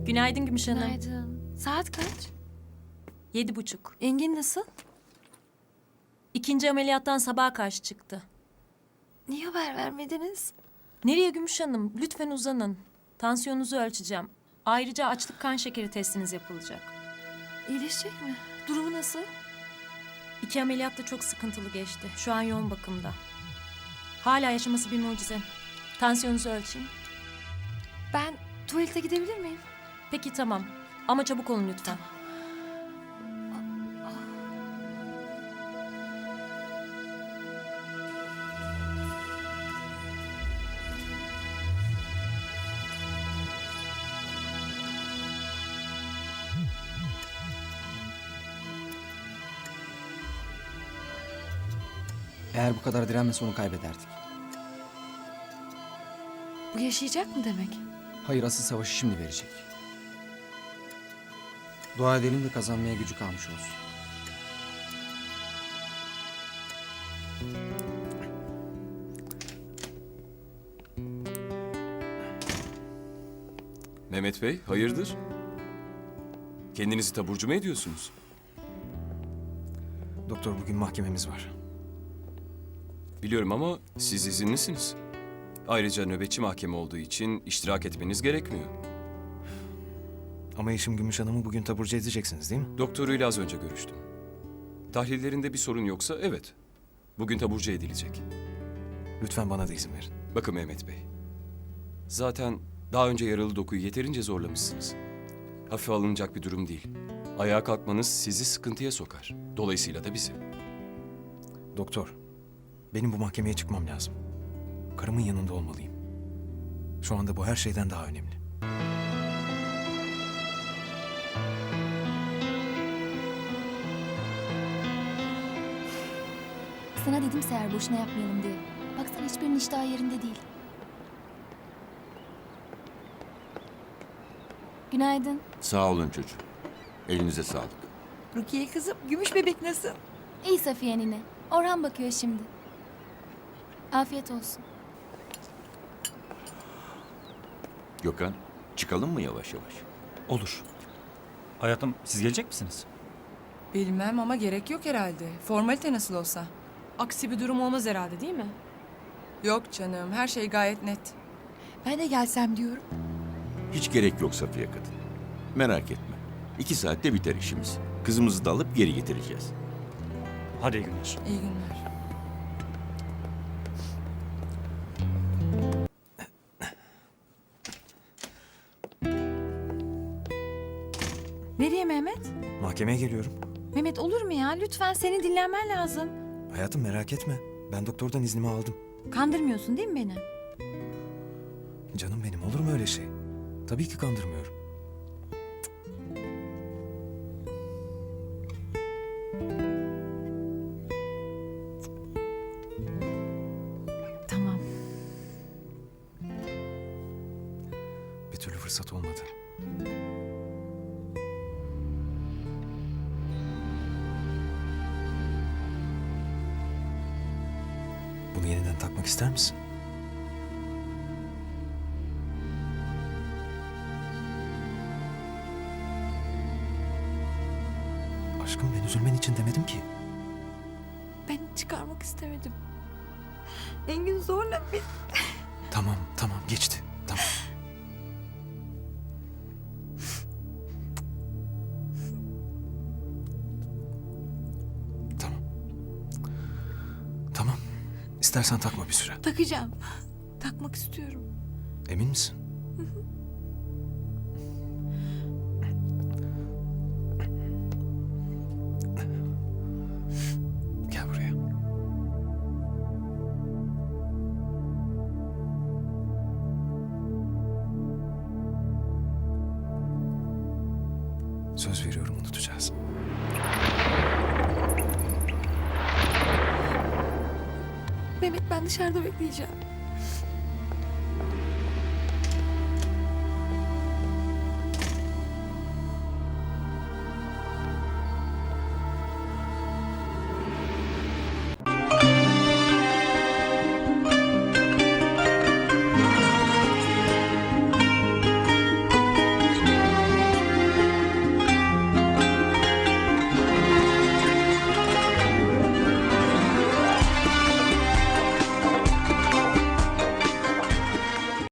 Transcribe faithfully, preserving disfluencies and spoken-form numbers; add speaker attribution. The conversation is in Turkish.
Speaker 1: Günaydın Gümüş Hanım.
Speaker 2: Günaydın. Saat kaç?
Speaker 1: Yedi buçuk.
Speaker 2: Engin nasıl?
Speaker 1: İkinci ameliyattan sabaha karşı çıktı.
Speaker 2: Niye haber vermediniz?
Speaker 1: Nereye Gümüş Hanım? Lütfen uzanın. Tansiyonunuzu ölçeceğim. Ayrıca açlık kan şekeri testiniz yapılacak.
Speaker 2: İyileşecek mi? Durumu nasıl?
Speaker 1: İki ameliyat da çok sıkıntılı geçti. Şu an yoğun bakımda. Hala yaşaması bir mucize. Tansiyonunuzu ölçeyim.
Speaker 2: Ben tuvalete gidebilir miyim?
Speaker 1: Peki tamam. Ama çabuk olun lütfen.
Speaker 3: Eğer bu kadar direnmese onu kaybederdik.
Speaker 2: Bu yaşayacak mı demek?
Speaker 3: Hayır, asıl savaşı şimdi verecek. Dua edelim de kazanmaya gücü kalmış olsun.
Speaker 4: Mehmet Bey, hayırdır? Kendinizi taburcu mu ediyorsunuz?
Speaker 3: Doktor, bugün mahkememiz var.
Speaker 4: Biliyorum ama siz izinlisiniz. Ayrıca nöbetçi mahkeme olduğu için iştirak etmeniz gerekmiyor.
Speaker 3: Ama Yeşim Gümüş Hanım'ı bugün taburcu edeceksiniz değil mi?
Speaker 4: Doktoruyla az önce görüştüm. Tahlillerinde bir sorun yoksa evet. Bugün taburcu edilecek.
Speaker 3: Lütfen bana da izin verin.
Speaker 4: Bakın Mehmet Bey. Zaten daha önce yaralı dokuyu yeterince zorlamışsınız. Hafife alınacak bir durum değil. Ayağa kalkmanız sizi sıkıntıya sokar. Dolayısıyla da bizi.
Speaker 3: Doktor, benim bu mahkemeye çıkmam lazım. Karımın yanında olmalıyım. Şu anda bu her şeyden daha önemli.
Speaker 5: Sana dedim Seher boşuna yapmayalım diye. Baksana hiçbirinin iştahı yerinde değil. Günaydın.
Speaker 6: Sağ olun çocuğum. Elinize sağlık.
Speaker 2: Rukiye kızım, gümüş bebek nasıl?
Speaker 5: İyi Safiye nine. Orhan bakıyor şimdi. Afiyet olsun.
Speaker 6: Gökhan, çıkalım mı yavaş yavaş?
Speaker 7: Olur. Hayatım, siz gelecek misiniz?
Speaker 8: Bilmem ama gerek yok herhalde. Formalite nasıl olsa.
Speaker 1: Aksi bir durum olmaz herhalde değil mi?
Speaker 8: Yok canım, her şey gayet net.
Speaker 2: Ben de gelsem diyorum.
Speaker 6: Hiç gerek yok Safiye kadın. Merak etme. İki saatte biter işimiz. Kızımızı da alıp geri getireceğiz.
Speaker 7: Hadi iyi günler.
Speaker 8: İyi günler.
Speaker 2: Nereye Mehmet?
Speaker 3: Mahkemeye geliyorum.
Speaker 2: Mehmet olur mu ya? Lütfen senin dinlenmen lazım.
Speaker 3: Hayatım, merak etme. Ben doktordan iznimi aldım.
Speaker 2: Kandırmıyorsun değil mi beni?
Speaker 3: Canım benim, olur mu öyle şey? Tabii ki kandırmıyorum.
Speaker 2: Tamam.
Speaker 3: Bir türlü fırsat olmadı. Bunu yeniden takmak ister misin? Aşkım, ben üzülmen için demedim ki.
Speaker 2: Ben çıkarmak istemedim. Engin zorla beni.
Speaker 3: Tamam, tamam, geçti. Tamam. Tamam. Tamam. İstersen takma bir süre.
Speaker 2: Takacağım. Takmak istiyorum.
Speaker 3: Emin misin? Gel buraya. Söz veriyorum, unutacağız.
Speaker 2: Mehmet ben dışarıda bekleyeceğim.